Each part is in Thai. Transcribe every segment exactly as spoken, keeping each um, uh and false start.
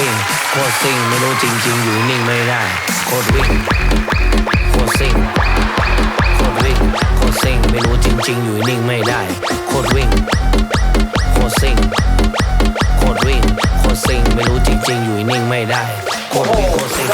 วิ่งโคตรซิ่งไม่รู้จริงๆอยู่นิ่งไม่ได้โคตรวิ่งโคตรซิ่งโคตรวิ่งโคตรซิ่งไม่รู้จริงๆอยู่นิ่งไม่ได้โคตรวิ่งโคตรซิ่งโคตรวิ่งโคตรซิ่งไม่รู้จริงๆอยู่นิ่งไม่ได้โคตรวิ่งโคตรซิ่ง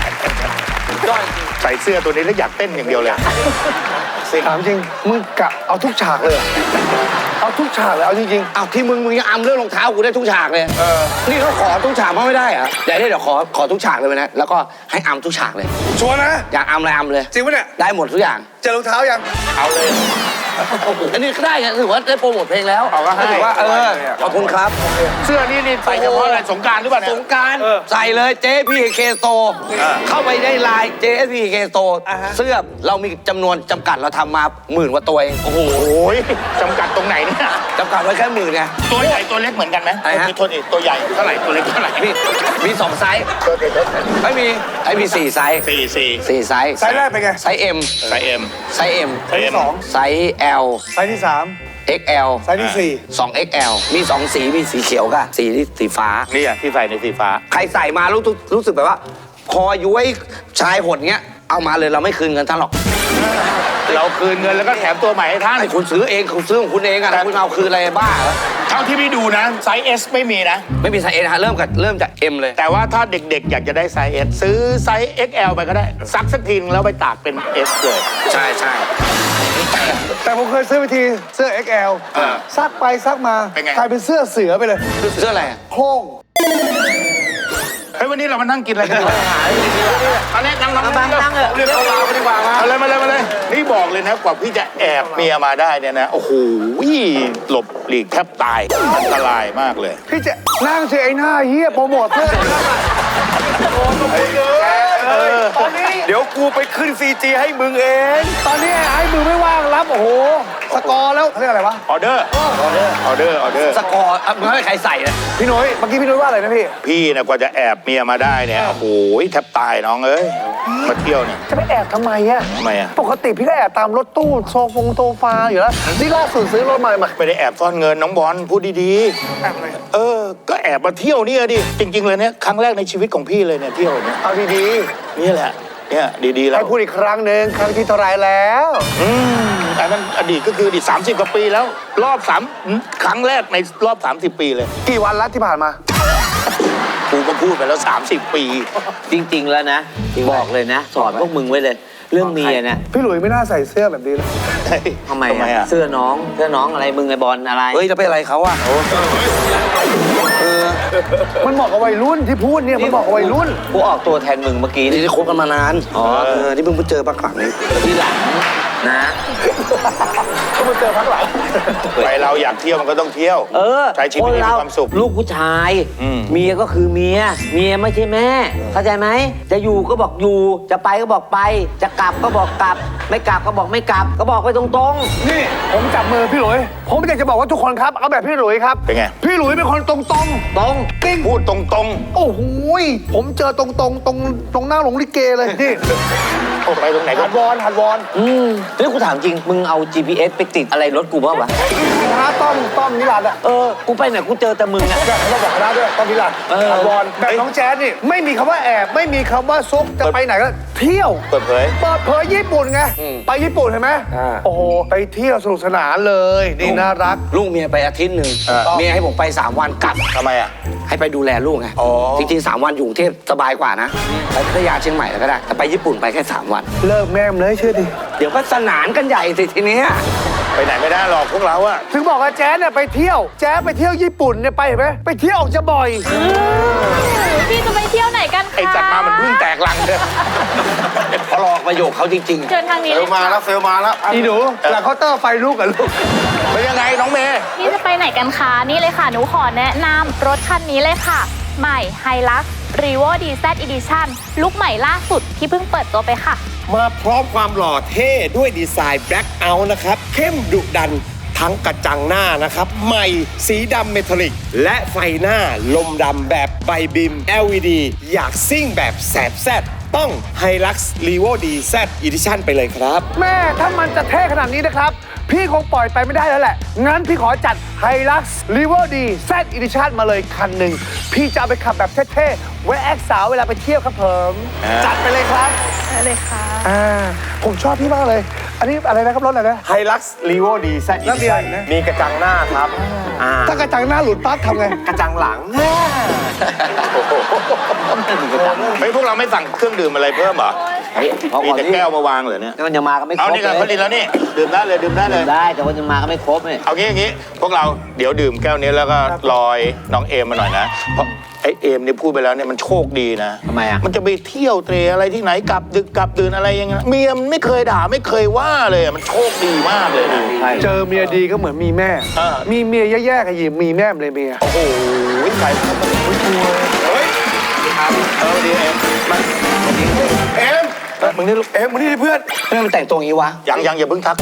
ใส่เสื้อตัวนี้แล้วอยากเต้นอย่างเดียวเลยถามจริงมึงกะเอาทุกฉากเลยเอาทุกฉากเลยเอาจริงๆเอาที่มึงมึงยังอำเรื่องรองเท้ากูได้ทุกฉากเลยเออนี่เขาขอทุกฉากมาไม่ได้อะเดี๋ยวเดี๋ยวขอขอทุกฉากเลยนะแล้วก็ให้อำทุกฉากเลยชัวร์นะอยากอำอะไรอำเลยจริงปะเนี่ยได้หมดทุกอย่างเจอรองเท้ายังเอาเลยอันนี้ก็ได้ไงถือว่าได้โปรโมทเพลงแล้วถือว่าเออขอบคุณครับเสื้อนี่นี่ใส่เฉพาะอะไรสงกรานต์หรือเปล่าสงกรานต์ใส่เลยเจ พี เค Store เข้าไปได้ไลน์ เจ พี เค Store เสื้อเรามีจำนวนจำกัดเราทำมาหมื่นกว่าตัวเองโอ้โหจำกัดตรงไหนเนี่ยจำกัดไว้แค่หมื่นไงตัวใหญ่ตัวเล็กเหมือนกันไหมมีโทษอีกตัวใหญ่เท่าไหร่ตัวเล็กเท่าไหร่มีมีสองไซส์ไม่มีไอ้มีสี่ไซส์สี่สี่สี่ไซส์ไซส์แรกเป็นไงไซส์ M ไซส์ M ไซส์ M ไซส์สองไซส์ L ไซส์ที่สามเอ็กซ์ แอลไซส์ที่สี่สอง เอ็กซ์ แอล มีสองสีมีสีเขียวกับสีสีฟ้านี่อ่ะที่ใส่ในสีฟ้าใครใส่มารู้รู้สึกแบบว่าคอย้วยชายหดเงี้ยเอามาเลยเราไม่คืนเงินท่านหรอกเราคืนเงินแล้วก็แถมตัวใหม่ให้ท่านให้คุณซื้อเองคุณซื้อของคุณเองอะแต่คุณเอาคืนอะไรบ้าเท่าที่พี่ดูนะไซส์ S ไม่มีนะไม่มีไซส์ S ฮะเริ่มกับเริ่มจาก M เลยแต่ว่าถ้าเด็กๆอยากจะได้ไซส์ S ซื้อไซส์ เอ็กซ์ แอล ไปก็ได้ซักสักทีนึงแล้วไปตากเป็น S เลยใช่ใช่แต่ผมเคยซื้อไปทีเสื้อ เอ็กซ์ แอล ซักไปซักมากลายเป็นเสื้อเสือไปเลยเสื้ออะไรโค้งเฮ้ยวันนี้เรามานั่งกินอะไรกันดีตอนนี้นั่งนั่งนั่งนั่งเรียกเอาไปดีกว่ามาเลยมาเลยมาเลยนี่บอกเลยนะกว่าพี่จะแอบเมียมาได้เนี่ยนะโอ้โหหลบหลีกแทบตายอันตรายมากเลยพี่จะนั่งเฉยไอ้หน้าเฮียโปรโมทเสื้อตอนนี้เดี๋ยวกูไปขึ้นซีจีให้มึงเองตอนนี้ไอ้มือไม่ว่างรับโอ้โหสกอร์แล้วเรียกอะไรวะออเดอร์ออเดอร์ออเดอร์ออเดอร์สกอร์มึงให้ใครใส่นะพี่นุ้ยเมื่อกี้พี่นุ้ยว่าอะไรนะพี่พี่นะกว่าจะแอบเมียมาได้เนี่ยโอ้โหแทบตายน้องเอ้ยมาเที่ยวเนี่ยจะไปแอบทำไมอะทำไมอะปกติพี่ก็แอบตามรถตู้โซฟงโซฟาอยู่แล้วนี่ล่าสุดซื้อรถใหม่มาไม่ได้แอบซ่อนเงินน้องบอลพูดดีๆแอบอะไรเออก็แอบมาเที่ยวเนี่ยดิจริงๆเลยเนี่ยครั้งแรกในชีวิตของพี่เลยเนี่ยเที่ยวเนี่ยเอาดีๆนี่แหละเนี่ยดีๆแล้วให้พูดอีกครั้งหนึ่งครั้งที่เท่าไรแล้วอืมอันนั้นอดีตก็คืออดีตสามสิบกว่าปีแล้วรอบสามครั้งแรกในรอบสามสิบปีเลยกี่วันแล้วที่ผ่านมากูก็พูดไปแล้วสามสิบปีจริงๆแล้วนะบอกเลยนะสอนพวกมึงไว้เลยเรื่องเมียเนี่ยพี่หลุยไม่น่าใส่เสื้อแบบนี้เลยทำไมอะเสื้อน้องเสื้อน้องอะไรมึงไอ้บอลอะไรเฮ้ยจะไปอะไรเขาอะมันเหมาะกับวัยรุ่นที่พูดเนี่ยมันเหมาะกับวัยรุ่นกูออกตัวแทนมึงเมื่อกี้ที่คบกันมานานอ๋อที่เพิ่งไปเจอพักหลังนี้ที่หลังนะเขามาเจอพักหลังไปเราอยากเที่ยวมันก็ต้องเที่ยวเออใช้ชีวิตให้มีความสุขลูกผู้ชายเมียก็คือเมียเมียไม่ใช่แม่เข้าใจไหมจะอยู่ก็บอกอยู่จะไปก็บอกไปจะกลับก็บอกกลับไม่กลับก็บอกไม่กลับก็บอกไปตรงๆนี่ผมจับมือพี่หลุยผมอยากจะบอกว่าทุกคนครับเอาแบบพี่หลุยครับเป็นไงพี่หลุยเป็นคนตรงๆตรงตรงกิ้งพูดตรงๆโอ้โหผมเจอตรงๆตรงตรงหน้าหลงลิเกเลยนี่โอ้ไปตรงไหนหัดวอนหัดวอนอืมแล้วกูถามจริงมึงเอา จี พี เอส ไปติดอะไรรถกูบ้างวะคณะต้อมต้อมนิรันดร์อะเออกูไปไหนกูเจอแต่มึงอะแบบเขาบอกคณะด้วยต้อมนิรันดร์หัดวอนแบบน้องแจ๊ดนี่ไม่มีคำว่าแอบไม่มีคำว่าซุกจะไปไหนก็เที่ยวเปิดเผยเปิดเผยญี่ปุ่นไงไปญี่ปุ่นเห็นไหมโอ้โหไปเที่ยวสนุกสนานเลยนี่น่ารักลูกเมียไปอาทิตย์หนึ่งเมียให้ผมไปสามวันกลับทำไมอะให้ไปดูแลลูกไงจริงๆสามวันอยู่กรุงเทพสบายกว่านะไปพัทยาเชียงใหม่ก็ได้แต่ไปญี่ปุ่นไปแค่สามวันเลิกแม่มเลยเชื่อดิเดี๋ยวก็สนานกันใหญ่สิทีนี้ไปไหนไม่ได้หรอกพวกเราอะถึงบอกว่าแจ๊ดเนี่ยไปเที่ยวแจ๊ดไปเที่ยวญี่ปุ่นเนี่ยไปเห็นไหมไปเที่ยวออกจะบ่อยพี่จะไปเที่ยวไหนกันคะไอ้จัดมามันเพิ่งแตกลังเลยพอรอประโยคเขาจริงๆเชิญทางนี้เฟลมาแล้วเฟลมาแล้วอีหนูหลังเคาน์เตอร์ไฟลุกกับลูกเป็นยังไงน้องเมย์พี่จะไปไหนกันคะนี่เลยค่ะหนูขอแนะนำรถคันนี้เลยค่ะใหม่ Hilux Revo ดี แซด Edition ลุคใหม่ล่าสุดที่เพิ่งเปิดตัวไปค่ะมาพร้อมความหล่อเท่ด้วยดีไซน์ Black Out นะครับเข้มดุดันทั้งกระจังหน้านะครับใหม่สีดำเมทัลลิกและไฟหน้าลมดำแบบไบบิม แอล อี ดี อยากซิ่งแบบแสบแซดต้อง Hilux Revo ดี แซด Edition ไปเลยครับแม่ถ้ามันจะเท่ขนาดนี้นะครับพี่คงปล่อยไปไม่ได้แล้วแหละ งั้นพี่ขอจัดไฮลักซ์รีเวอร์ดีแซดอีดิชั่นมาเลยคันหนึ่ง พี่จะเอาไปขับแบบเท่ๆ ไว้แอคสาวเวลาไปเที่ยวครับผมจัดไปเลยครับได้เลยค่ะอ่า ผมชอบพี่มากเลย อันนี้อะไรนะครับรถอะไรนะไฮลักซ์รีโวดีแซดอีแล้วมีดิอะไรชั่นอีกนะมีกระจังหน้าครับอ่าถ้ากระจังหน้าหลุดปั๊บทำไงกระจังหลังเฮ้ยพวกเราไม่สั่งเครื่องดื่มอะไรเพิ่มเหรอเฮ้ยพอมีก่อนแต่นี่แก้วมาวางเหรอเนี่ยมันยังมาก็ไม่ครเอาบนี่กันเลเขายดีแล้วนี่ดื่มได้เลยดื่มได้เลยได้แต่ว่ายังมาก็ไม่ครบเนี่ยเอางี้อย่างงี้พวกเราเดี๋ยวดื่มแก้วนี้แล้วก็ลอยน้องเอมมาหน่อยนะเพราะไอเอมเนี่ยพูดไปแล้วเนี่ยมันโชคดีนะทำไมอ่ะมันจะไปเที่ยวเตรอะไรที่ไหนกลับดึกกลับดื่นอะไรอย่างเงี้ยเมียมันไม่เคยด่าไม่เคยว่าเลยอะมันโชคดีมากเลยนะเจอเมียดีก็เหมือนมีแม่เออมีเมียแย่ๆกับยิมมีแม่เลยเมียโอ้โหใครเฮ้ยเออดีเอมมาเอ็มเออมึงนี่ลูกเอ็มมานี่ดิเพื่อนเพื่อนมันแต่งตัวอย่างนี้วะยังยังอย่าเพิ่งทัก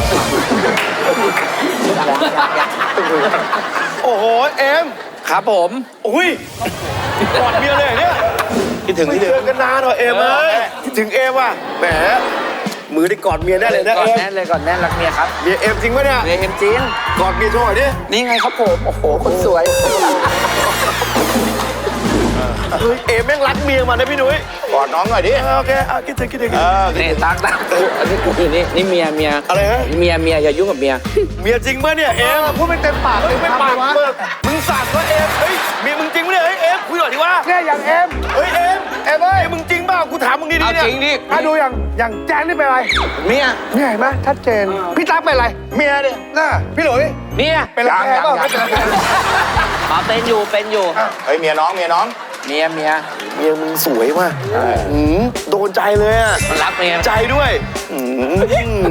โอ้โหเอ็มครับผมอุ้ยกอดเมียเลยเหรอเนี่ยคิดถึงไม่คิดเจถึอง กันนานหรอเอ็มเอ้ยคิดถึงเอ็มว่ะแหมมือได้กอดเมียได้เลยนะก่อนเอ็มแน่นเลยก่อนแน่นรักเมียครับเมียเอ็มจริงปะเนี่ยเมียเอ็มจริงกอดเมียโชว์หน่อยดินี่ไงครับผม โอ้โห คนสวยเฮ้ยเอ็มแม่งรักเมียมันนะพี่นุ้ยกอดน้องหน่อยดิเออโอเคอ่ะคิดถึงคิดถึงคิเอดถึงอนี่ตักตักอันนี้กูนี่นี่เมียเมียอะไรฮะเมียเมียอย่ายุ่งกับเมียเมียจริงปะเนี่ยเอ็มพูดไม่เต็มปากเฮ้ยเต็มไม่คำปาเลกยวะมึงมึงสั่งว่าเอ็มเฮ้ยเมียมึงจริงปะเนี่ยเฮ้ยเอ็มคุยหน่อยดิวะเนี่ยอย่างเอ็มเฮ้ยเอ็มเอ็มเอ้ยเอ็มมึงจริงเปล่ากูถามมึงดีเอาๆเนี่ยจริงดิถ้าดูอย่างอย่างแจงนี่เป็นอะไรเมียเนี่ยเห็นไหมชัดเจน พี่ตั๊กเป็นอะไรเมียเนี่ยน่าพี่หลุยเมียเป็นอะไรแพ้เปล่าไม่เป็นไรมาเป็นอยู่ เป็นอยู่เฮ้ยเมียน้องเมียน้องเมียเมียเมียมึงสวยว่ะอืมโดนใจเลยอ่ะมันรักเมียใจด้วยอืม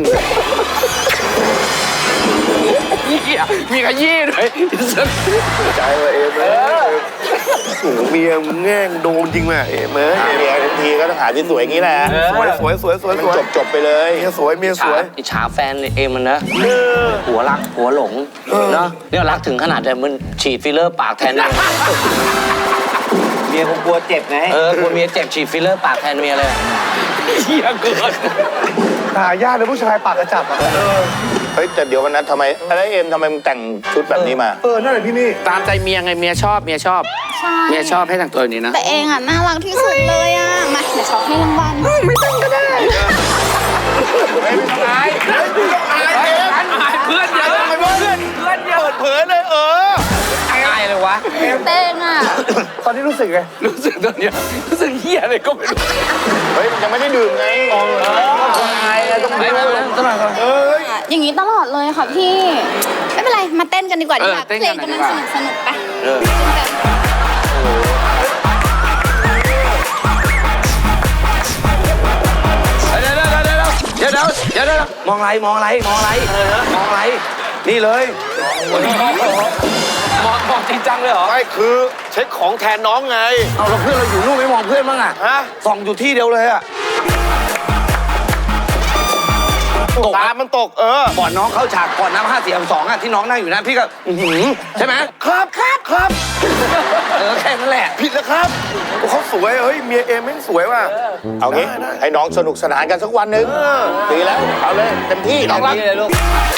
เหี้ยมีขยี้ด้วยใจเลยเอ็มเลยโอ้โหเมียมึงแง่งโดนจริงว่ะเอ็มเอ้ยหาเมียทั้งทีก็ต้องหาที่สวยอย่างนี้แหละสวยสวยสวยสวยมันสวยจบจบไปเลยเมียสวยเมียสฉาวยอิจฉาแฟนเองมันนะหัวรักหัวหลงเนาะเนี่ยรักถึงขนาดแต่มันฉีดฟิลเลอร์ปากแทนเลยเมียคงกลัวเจ็บไงเออกลัวเมียเจ็บฉีดฟิลเลอร์ปากแทนเมียเลยเหี้ยเกินหายากเลยผู้ชายปากกระจับอ่ะเฮ้ยแต่เดี๋ยววันนั้นทำไมอะไรเอ็มทำไมมึงแต่งชุดแบบนี้มาเออนั่นแหละพี่นี่ตามใจเมียไงเมียชอบเมียชอบใช่เมียชอบให้แต่งตัวอย่างนี้นะแต่เองอ่ะน่ารักที่สุดเลยอ่ะ มาเดี๋ยวขอให้รางวัลไม่ต้องก็ได้ไม่ต้องอายอายเพื่อนเยอะเพื่อนเพื่อนเยอะเปิดเผยเลยเอออายเลยวะเต้งอ่ะตอนนี้รู้สึกไงรู้สึกตอนเนี้ยรู้สึกเหี้ยอะไรก็ไม่รู้เฮ้ยมันยังไม่ได้ดื่มไงอายอะไรต้องไม่ไม่ไม่ต้องมาอย่างนี้ตลอดเลยค่ะพี่ ไม่เป็นไร มาเต้นกันดีกว่าดีกว่าเออเต้นเพลกันงหน่กำอยลังดีกว่าสนุกสนุกๆไปเออเต้นกันเดี๋ยวเดี๋ยวเดี๋ยวเดี๋ยวเดี๋ยวเดี๋ยวเดี๋ยวมองอะไรมองอะไรมองอะไรมองอะไร นี่เลยมองมองจริงจังเลยเหรอไม่คือเช็คของแทนน้องไงเอาแล้วเพื่อนเราอยู่นู่นไม่มองเพื่อนบ้างอะฮะส่องอยู่ที่เดียวเลยอะ ตกตามันตกเออก่อนน้องเข้าฉากก่อนน้ำห้าสี่สองอะที่น้องนั่งอยู่นั่นพี่ก็อื้อหือใช่ไหมครับครับครับเออแค่นั้นแหละผิดแล้วครับโอ้เขาสวยเฮ้ยเมียเอ็มแม่งสวยว่ะเอางี้ให้น้องสนุกสนานกันสักวันหนึ่งดีแล้วเอาเลยเต็มที่น้องรักนี่เลยลูก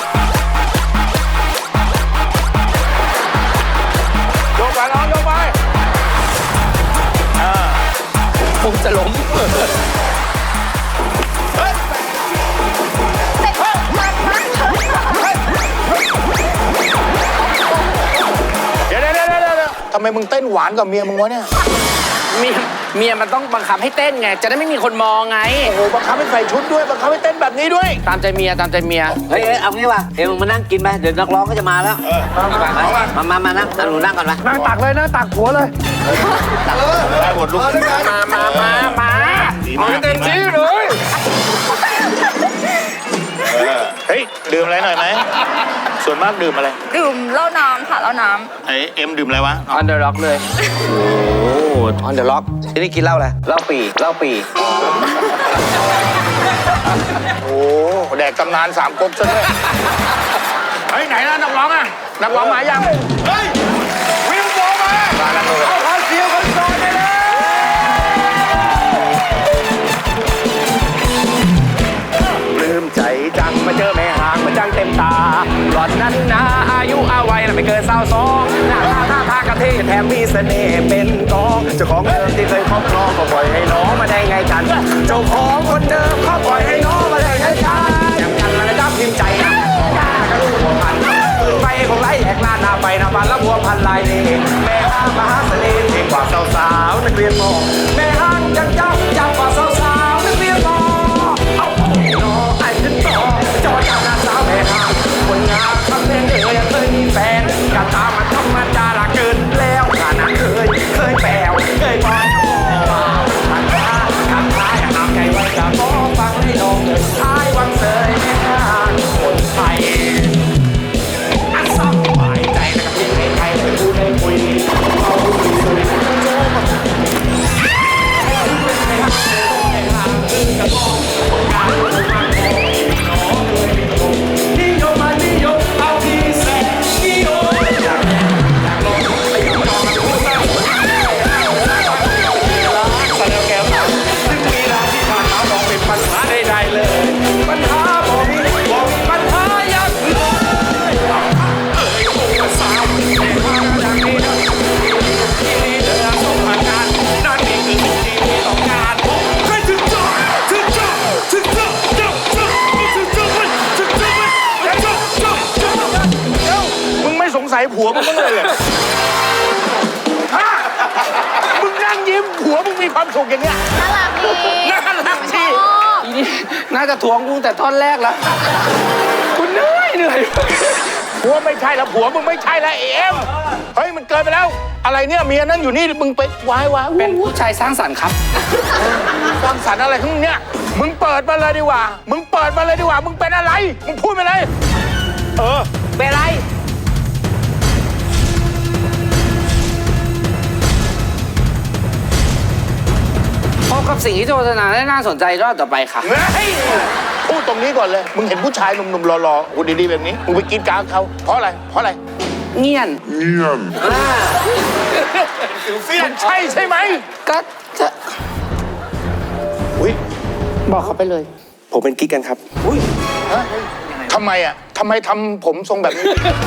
โยกไปน้องโยกไปผมจะล้มเดี๋ยวเดี๋ยวเดี๋ยวเดี๋ยวทำไมมึงเต้นหวานกับเมียมึงวะเนี่ยเมียเมียมันต้องบังคับให้เต้นไง จะได้ไม่มีคนมองไงโอ้โหบังคับให้ใส่ชุดด้วยบังคับให้เต้นแบบนี้ด้วยตามใจเมียตามใจเมียเฮ้ยเอ้ยเอางี้ว่ะเอ็มมึงมานั่งกินไป เดี๋ยวนักร้องก็จะมาแล้วไปมามามานั่งเอาหนูนั่งก่อนไปนั่งตักเลยนั่งตักหัวเลยได้หมดลูกมามามามาดีมากเต็มที่เลยเออเฮ้ยดื่มอะไรหน่อยไหมส่วนมากดื่มอะไรดื่มเหล้าน้ำค่ะเหล้าน้ไอเอ็มดื่มอะไรวะออนเดอะร็อกเลย โอ้ออนเดอะร็อกที่นี่กินเหล้าอะไรเหล้าปีเหล้าปีโอ้แดกตำนานสามก๊กซะด้วยเฮ้ยไหนนะนักร้องอะนักร้องมายังเฮ้ยวิวโบมามาแล้วเลยเอาขอเสียงคนโสดไปเลยปลื้มใจจังมาเจอแม่หางมาจังเต็มตานั้นนะอายุอาวัยน่ะไม่เกินสาวสองหน้าตาท่าทางกระเทแถมมีเสน่ห์เป็นกองเจ้าของเดิมที่เคยครอบครองก็ปล่อยให้น้องมาได้ไงกันเจ้าของคนเดิมเขาปล่อยให้น้องมาได้ไงกันอย่างกันแล้วจ้าพิมพ์ใจนะกล้ากระลูกหัวพันปืนไปของไรแหกลานหน้าไปหน้าบันแล้วหัวพันลายเล่แม่ห้างมหาเสน่ห์เก่งกว่าสาวๆนักเรียนมอแม่ห้างยังเจ้าจังกว่าสาวๆนักเรียนมอเอาน้องไอ้ขึ้นต่อจอจากหน้าสาวแม่ห้างคนงามทำแม่เอ๋ยเคยมีแฟนกันตามมาธรรมดาละเกินแล้วขนาดเคยเคยแปลวเคยบอลทางท้าทางท้ายหามใจไว้จะมองฟังให้น้องเดินท้ายวังเสยแม่ห้างคนไทยอันสบายใจนะครับที่ให้ใครไปพูดให้คุยเอาคุยคุยโจ้มานิยมมานิยมเอาที่แสนนิยมอยากอยากลองไปยอมยอมมาพูดบ้างสะเดาแก้วซึ่งมีราที่ผ่านมาบอกเป็นปัญหาใดๆเลยปัญหาบอกมีบอกมีปัญหาอย่างเลยเอ้ยโอ้สาวแต่ว่าอย่างนี้นะที่นี่เดินส่งผ่านงานนั่นนี่คือสิ่งที่พี่ต้องการให้ถึงเจ้าถึงเจ้าถึงเจ้าเจ้าเจ้าถึงเจ้าถึงเจ้าเจ้าเจ้าเจ้าเจ้าเจ้ามึงไม่สงสัยผัวมึงบ้างเลยเหรอฮะมึงนั่งยิ้มผัวมึงมีความสุขอย่างเงี้ยน่ารักดีน่ารักชดีอบอีนี่น่าจะทวงกูแต่ท่อนแรกแล้วกูเหนื่อยเหนื่อยผัวไม่ใช่แล้วผัวมึงไม่ใช่แล้วเอ็มเฮ้ยมันเกินไปแล้ว อะไรเนี่ยเมียนั่งอยู่นี่มึงไปวายวายเป็นผู้ชายสร้างสรรค์ครับสร้างสรรค์อะไรของมึงเนี่ยมึงเปิดมาเลยดีกว่า มึงเปิดมาเลยดีกว่า มึงเป็นอะไร มึงพูดไปเลย เออเป็นไรพบกับสิ่งที่โฆษณาได้น่าสนใจรอบต่อไปค่ะเฮ้ยพูดตรงนี้ก่อนเลย มึงเห็นผู้ชายหนุ่มๆหล่อๆหุ่นดีๆแบบนี้ มึงไปกินกลางเขาเพราะอะไร เพราะอะไรเงียนมันใช่ใช่ไหมก็จะอุ้ยบอกเขาไปเลยผมเป็นกิ๊กกันครับอุ้ยฮะทำไมอ่ะทำไมทำผมทรงแบบนี้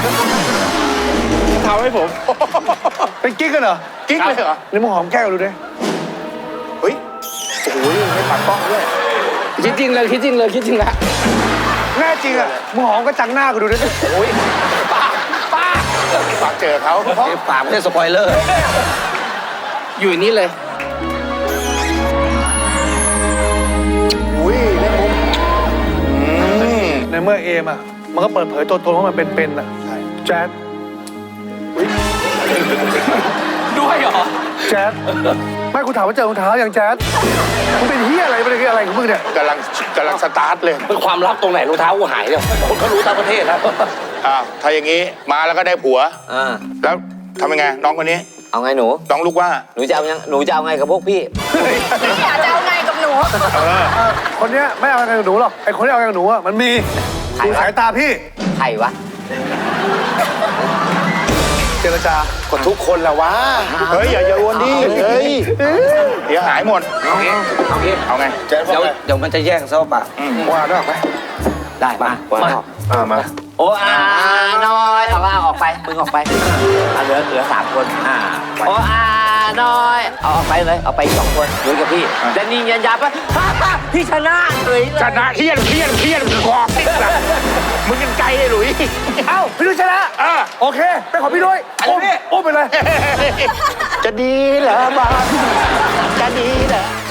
ทำให้ผมเป็นกิ๊กกันเหรอกิ๊กเลยเหรอนี่มึงหอมแก้วดูดิเฮ้ย โอ้ยไม่ปัดป้องด้วยคิดจริงเลยคิดจริงเลยคิดจริงละแน่จริงอ่ะมึงหอมก็จังหน้ากูดูดิโอ้ยป้าป้าป้าเจอเขาเดี๋ยวปากไม่ใช่สปอยเลอร์ อยู่นี่เลยอุ้ยเล่นมุกอืมในเมื่อเอมอ่ะมันก็เปิดเผยตัวตนว่ามันเป็นๆอ่ะแจ๊ดด้วยเหรอแจ๊ดไม่กูถามว่าเจอรองเท้าอย่างแจ๊ดมึงเป็นเฮียอะไรเป็นอะไรของมึงเนี่ยกำลังกำลังสตาร์ทเลยเป็นความลับตรงไหนรองเท้ากูหายเนี่ยคนเขารู้ทั้งประเทศแล้วอ้าว ถ้าอย่างนี้มาแล้วก็ได้ผัวอ่าแล้วทำยังไง น้องคนนี้เอาไงหนูน้องลูกว่าหนูจะเอายังหนูจะเอาไงกับพวกพี่อยากจะเอาไงกับหนูคนเนี้ยไม่เอาอะไรกับหนูหรอกไอคนที่เอาอะไรกับหนูอ่ะมันมีใครดูวะสายตาพี่ใครวะเจรจาก็ทุกคนแหละวะเฮ้ย อย่าอย่าวนดิเฮ้ย เดี๋ยวหายหมดเอางี้เอางี้เอาไงแจ๊ดว่าเดี๋ยวไงเดี๋ยวมันจะแย่งซะเปล่าว่าด้วยไหมได้มาว่ามาอ่ามาโอ้อาน้อยเอาว่าออกไปมึงออกไปเอาเหลือเหลือสามคนอ่าโอ้อาน้อยเอาออกไปเลยเอาไปอีกสองคนหนูกับพี่แต่นี่ยันยับว่าฮ่าฮ่าพี่ชนะเลยเลยชนะเฮี้ยนเฮี้ยนเฮี้ยนกอกติดละมึงยังไกลเลยหลุยเอ้าพี่ดุยชนะเออโอเคไปขอพี่ดุยอุ้มอุ้มไปเลยจะดีเหรอบ้านจะดีเหรอ